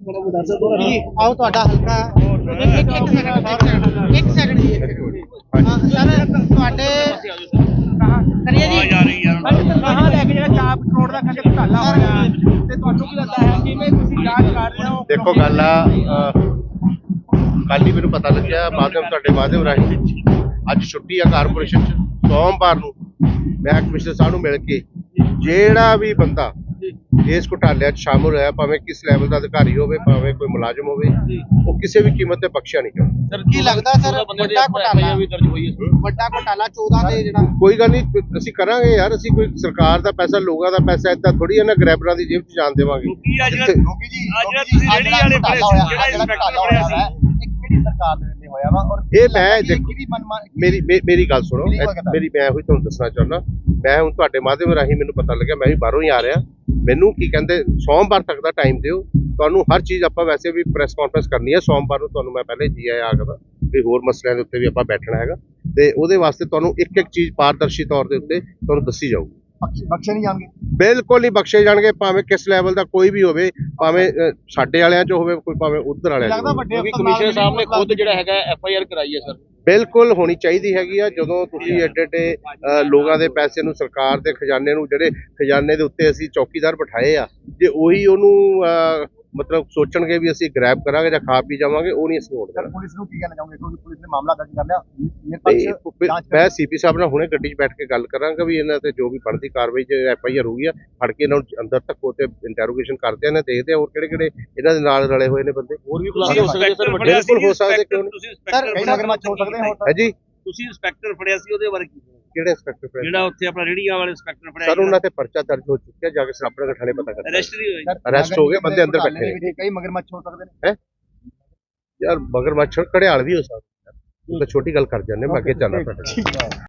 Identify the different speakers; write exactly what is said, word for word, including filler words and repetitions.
Speaker 1: आओ ਤੁਹਾਡਾ ਹਲਕਾ ਇੱਕ ਇੱਕ ਸੈਕਿੰਡ ਇੱਕ ਸੈਕਿੰਡ ਜੀ ਸਰ ਤੁਹਾਡੇ ਕਰੀਏ ਜੀ ਕਹਾਂ ਲੈ ਕੇ ਜਿਹੜਾ ਚਾਰ ਕਰੋੜ ਦਾ ਖਰਚਾ ਘੁਟਾਲਾ ਹੋਇਆ ਤੇ ਤੁਹਾਨੂੰ ਕੀ ਲੱਗਦਾ ਹੈ ਕਿਵੇਂ ਤੁਸੀਂ ਜਾਂਚ ਕਰ ਰਹੇ ਹੋ?
Speaker 2: ਦੇਖੋ ਗੱਲ ਆ ਕੱਲ ਹੀ ਮੈਨੂੰ ਪਤਾ ਲੱਗਿਆ ਮਾਧਵ ਤੁਹਾਡੇ ਮਾਧਵ ਰਾਹੀਂ ਅੱਜ ਛੁੱਟੀ ਆ ਕਾਰਪੋਰੇਸ਼ਨ ਚ ਸੋਮਵਾਰ ਨੂੰ ਮੈਂ ਕਮਿਸ਼ਨਰ ਸਾਹਿਬ ਨੂੰ ਮਿਲ ਕੇ ਜਿਹੜਾ ਵੀ ਬੰਦਾ ਇਸ ਘੁਟਾਲਿਆਂ 'ਚ ਸ਼ਾਮਲ ਹੋਇਆ ਭਾਵੇਂ ਕਿਸ ਲੈਵਲ ਦਾ ਅਧਿਕਾਰੀ ਹੋਵੇ ਭਾਵੇਂ ਕੋਈ ਮੁਲਾਜ਼ਮ ਹੋਵੇ ਉਹ ਕਿਸੇ ਵੀ ਕੀਮਤ ਤੇ ਬਖਸ਼ਿਆ ਨਹੀਂ ਜਾਊਗਾ।
Speaker 1: ਸਰ ਕੀ ਲੱਗਦਾ ਸਰ ਵੱਡਾ ਘੁਟਾਲਾ ਵੀ ਦਰਜ ਹੋਈ ਹੈ ਵੱਡਾ ਘੁਟਾਲਾ ਚੌਦਾਂ ਦੇ ਜਿਹੜਾ
Speaker 2: ਕੋਈ ਗੱਲ ਨਹੀਂ ਅਸੀਂ ਕਰਾਂਗੇ ਯਾਰ ਅਸੀਂ ਕੋਈ ਸਰਕਾਰ ਦਾ ਪੈਸਾ ਲੋਕਾਂ ਦਾ ਪੈਸਾ ਏਦਾਂ ਥੋੜੀ ਇਹਨਾਂ ਗ੍ਰੈਬਰਾਂ ਦੀ ਜੇਬ 'ਚ ਜਾਣ ਦੇਵਾਂਗੇ।
Speaker 1: ਸਰਕਾਰ ਦੇ ਵੇਲੇ ਹੋਇਆ ਵਾ ਔਰ
Speaker 2: ਇਹ ਮੈਂ ਦੇਖੋ ਮੇਰੀ ਮੇਰੀ ਗੱਲ ਸੁਣੋ ਮੇਰੀ ਮੈਂ ਉਹੀ ਤੁਹਾਨੂੰ ਦੱਸਣਾ ਚਾਹੁੰਦਾ ਮੈਂ ਹੁਣ ਤੁਹਾਡੇ ਮਾਧਿਅਮ ਰਾਹੀਂ ਮੈਨੂੰ ਪਤਾ ਲੱਗਿਆ ਮੈਂ ਵੀ ਬਾਹਰੋਂ ਹੀ ਆ ਰਿਹਾ ਮੈਨੂੰ ਕੀ ਕਹਿੰਦੇ ਸੋਮਵਾਰ ਤੱਕ ਦਾ ਟਾਈਮ ਦਿਓ ਤੁਹਾਨੂੰ ਹਰ ਚੀਜ਼ ਆਪਾਂ ਵੈਸੇ ਵੀ ਪ੍ਰੈਸ ਕਾਨਫਰੰਸ ਕਰਨੀ ਹੈ ਸੋਮਵਾਰ ਨੂੰ ਤੁਹਾਨੂੰ ਮੈਂ ਪਹਿਲੇ ਜੀ ਆਇਆ ਆਖਦਾ ਵੀ ਹੋਰ ਮਸਲਿਆਂ ਦੇ ਉੱਤੇ ਵੀ ਆਪਾਂ ਬੈਠਣਾ ਹੈਗਾ ਤੇ ਉਹਦੇ ਵਾਸਤੇ ਤੁਹਾਨੂੰ ਇੱਕ ਇੱਕ ਚੀਜ਼ ਪਾਰਦਰਸ਼ੀ ਤੌਰ ਦੇ ਉੱਤੇ ਤੁਹਾਨੂੰ ਦੱਸੀ ਜਾਊਗੀ।
Speaker 1: ਬਖਸ਼ੇ ਨਹੀਂ ਜਾਣਗੇ
Speaker 2: ਬਿਲਕੁਲ ਨਹੀਂ ਬਖਸ਼ੇ ਜਾਣਗੇ ਭਾਵੇਂ ਕਿਸ ਲੈਵਲ ਦਾ ਕੋਈ ਵੀ ਹੋਵੇ ਭਾਵੇਂ ਸਾਡੇ ਵਾਲਿਆਂ 'ਚ ਹੋਵੇ ਕੋਈ ਭਾਵੇਂ ਉਧਰ ਵਾਲਿਆਂ 'ਚ ਹੋਵੇ।
Speaker 1: ਕਮਿਸ਼ਨਰ ਸਾਹਿਬ ਨੇ ਖੁਦ ਜਿਹੜਾ ਹੈਗਾ ਐਫ ਆਈ ਆਰ ਕਰਾਈ ਹੈ ਸਰ
Speaker 2: ਬਿਲਕੁਲ ਹੋਣੀ ਚਾਹੀਦੀ ਹੈਗੀ ਆ ਜਦੋਂ ਤੁਸੀਂ ਏਡੇ ਏਡੇ ਲੋਕਾਂ ਦੇ ਪੈਸੇ ਨੂੰ ਸਰਕਾਰ ਦੇ ਖਜ਼ਾਨੇ ਨੂੰ ਜਿਹੜੇ ਖਜ਼ਾਨੇ ਦੇ ਉੱਤੇ ਅਸੀਂ ਚੌਕੀਦਾਰ ਬਿਠਾਏ ਆ ਜੇ ਉਹੀ ਉਹਨੂੰ ਮਤਲਬ ਸੋਚਣਗੇ ਵੀ ਅਸੀਂ ਗ੍ਰੈਬ ਕਰਾਂਗੇ ਜਾਂ ਖਾ ਪੀ ਜਾਵਾਂਗੇ ਉਹ ਨਹੀਂ ਅਸੀਂ ਹੋਣ ਦੇਣਾ।
Speaker 1: ਪੁਲਿਸ ਨੂੰ ਕੀ ਕਹਿਣਾ ਚਾਹੋਗੇ ਕਿਉਂਕਿ ਪੁਲਿਸ ਨੇ ਮਾਮਲਾ ਦਰਜ ਕਰ ਲਿਆ
Speaker 2: ਮੈਂ ਸੀਪੀ ਸਾਹਿਬ ਨਾਲ ਹੁਣੇ ਗੱਡੀ 'ਚ ਬੈਠ ਕੇ ਗੱਲ ਕਰਾਂਗਾ ਵੀ ਇਹਨਾਂ ਤੇ ਜੋ ਵੀ ਬਣਦੀ ਕਾਰਵਾਈ ਜੇ ਐਫ ਆਈ ਆਰ ਹੋਈ ਆ ਫੜ ਕੇ ਇਹਨਾਂ ਨੂੰ ਅੰਦਰ ਤੱਕ ਉਹ ਤੇ ਇੰਟਰੋਗੇਸ਼ਨ ਕਰਦੇ ਆ ਨੇ ਦੇਖਦੇ ਆ ਹੋਰ ਕਿਹੜੇ ਕਿਹੜੇ ਇਹਨਾਂ ਦੇ ਨਾਲ ਰਲੇ ਹੋਏ ਨੇ ਬੰਦੇ ਹੋਰ ਵੀ ਖੁਲਾਸੇ ਹੋ ਸਕਦੇ ਸਰ ਬਿਲਕੁਲ ਹੋ ਸਕਦੇ ਕਿਉਂ ਨਹੀਂ
Speaker 1: ਸਰ ਕਈ ਮਗਰਮੱਛ ਹੋ ਸਕਦੇ ਹੋ
Speaker 2: ਹੈ ਜੀ
Speaker 3: ਤੁਸੀਂ ਇੰਸਪੈਕਟਰ ਫੜਿਆ ਸੀ ਉਹਦੇ ਬਾਰੇ ਕੀ
Speaker 2: ਕਿਹੜੇ ਇੰਸਪੈਕਟਰ ਫੜਿਆ
Speaker 3: ਜਿਹੜਾ ਉੱਥੇ ਆਪਣਾ ਰੇੜੀਆਂ ਵਾਲੇ ਇੰਸਪੈਕਟਰ ਫੜਿਆ
Speaker 2: ਸਰ ਉਹਨਾਂ ਤੇ ਪਰਚਾ ਦਰਜ ਹੋ ਚੁੱਕਿਆ ਜਾ ਕੇ ਸਰਾਪੜਾ ਥਾਣੇ ਪਤਾ ਕਰ
Speaker 3: ਅਰੈਸਟ ਵੀ ਹੋਏ
Speaker 2: ਅਰੈਸਟ ਹੋ ਗਏ ਬੰਦੇ ਅੰਦਰ ਬੈਠੇ
Speaker 1: ਨੇ ਕਈ ਮਗਰਮੱਛ ਹੋ ਸਕਦੇ ਨੇ
Speaker 2: ਹੈ ਯਾਰ ਮਗਰਮੱਛ ਘੜਿਆਲ ਵੀ ਹੋ ਸਕਦਾ ਉਹ ਤਾਂ ਛੋਟੀ ਗੱਲ ਕਰ ਜਾਂਦੇ ਮੈਂ ਅੱਗੇ ਚੱਲਣਾ ਤੁਹਾਡੇ